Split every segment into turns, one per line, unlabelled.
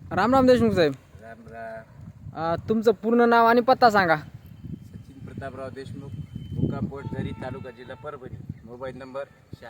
राम राम देशमुख साहेब.
राम राम.
तुमचं पूर्ण नाव आणि पत्ता सांगा.
सचिन प्रतापराव देशमुख, मुक्काम पोस्ट झरी, तालुका जिल्हा परभणी. Mobile number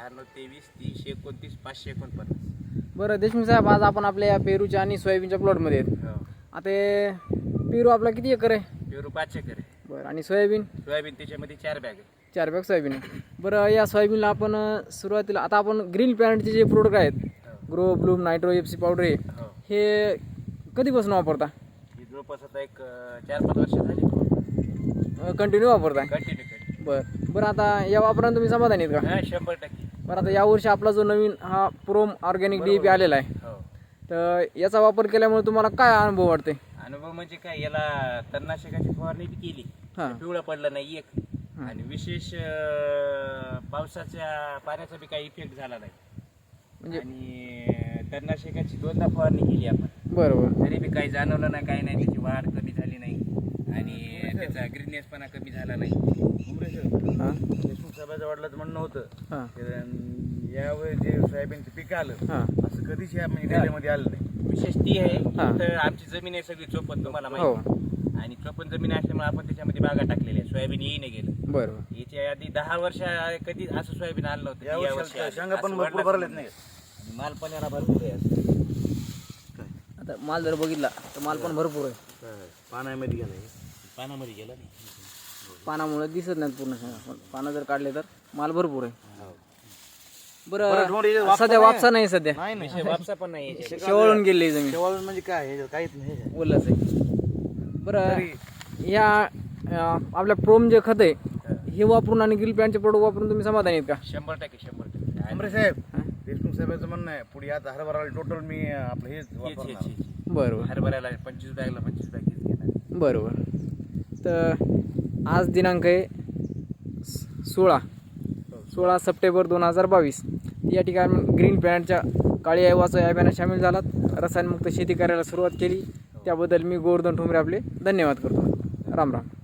9623 329 549.
बरं देशमुख साहेब, आज आपण आपल्या या पेरूच्या आणि सोयाबीनच्या प्लॉटमध्ये आहेत.
हो.
आता पेरू आपला किती एकर आहे?
पेरू 5 एकर आहे.
बरं, आणि सोयाबीन?
सोयाबीन त्याच्यामध्ये 4 बॅग आहे.
4 बॅग सोयाबीन आहे. बरं, या सोयाबीनला आपण सुरुवातीला आता आपण ग्रीन प्लॅनेटचे जे प्रोडक्ट आहेत, grow bloom nitro FC powder
हो.
हे कधीपासून वापरता?
ही जवळपास आता एक 4-5 वर्ष झाली
कंटिन्यू वापरताय?
कंटिन्यू.
बरं, आता या वापरानं तुम्ही समाधानी आहेत का?
हां, 100%.
बरं, आता यावर्षी आपला जो नवीन हा प्रोम ऑर्गॅनिक DAP आलेला आहे,
हो.
तर याचा वापर केल्यामुळे तुम्हाला काय अनुभव वाटते?
अनुभव म्हणजे काय, याला तणनाशकाची फवारणी बी केली,
हां.
पिवळं पडलं नाही एक. आणि विशेष पावसाच्या पाण्याचा बी काही इफेक्ट झाला नाही.
म्हणजे
आणि तणनाशकाची 2दा फवारणी केली आपण,
बरोबर.
तरी बी काही जाणवलं नाही, काही नाही. त्याची वाढ कमी झाली नाही आणि त्याचा ग्रीननेसपणा कमी झाला नाही.
हां
देशमुख साहेबाच्या वडिलांचं म्हणणं होतं
हां
की यावेळी जे सोयाबीनचं पीक आलं
हां
असं कधीच या महिन्यामध्ये आलं नाही. विशेष ती आहे
हां.
तर आमची जमीन आहे सगळी चोपन, तुम्हाला
हो.
माहिती. आणि चोपन जमीन असल्यामुळे आपण त्याच्यामध्ये बागा टाकलेल्या आहे. सोयाबीन येई नाही गेलं.
बरोबर.
याच्या आधी 10 वर्ष कधी असं सोयाबीन आलं नव्हतं.
या वर्षी
आलं.
शेंगा पण
असं
भरपूर
वाढलं
भरलेत नाही.
आणि माल पण याला भरपूर आहे असं.
आता माल जर बघितला तर माल पण भरपूर आहे.
पाण्यामध्ये गेलं
पानामध्ये गेला नाही.
पानामुळे दिसत नाहीत पूर्ण शेंगा, पण पानं जर काढले तर माल भरपूर आहे.
बरं,
बरं,
डोंगरी वापसा
सध्या
नाही.
वापसा नाही, सध्या
नाही नाही
विषय वापसा पण नाही याच्यात.
शेवाळून गेली जमीन,
शेवाळून म्हणजे काय हे काहीच नाही.
ओलच आहे. बरं, या आपल्या प्रोम जे खत आहे हे वापरून आणि ग्रीन प्लॅनचे प्रोडक्ट वापरून तुम्ही समाधानी आहेत का?
100%.
आमरे साहेब, देशमुख साहेबांचं म्हणणं आहे पुढे आता हरभराला टोटल मी आपलं हेच
हेच,
वापरणार.
हेच.
बरोबर
हरभऱ्याला 25 बॅगला 25 बॅग हेच घेणार.
बरोबर. तर आज दिनांक आहे 16 सप्टेंबर 2022. या ठिकाणी ग्रीन प्लॅनेटच्या काळी अहिवाचं अभियानात सामील झालात, रसायनमुक्त शेती करायला सुरुवात केली. त्याबद्दल मी गोवर्धन ठोंबरे आपले धन्यवाद करतो. राम राम.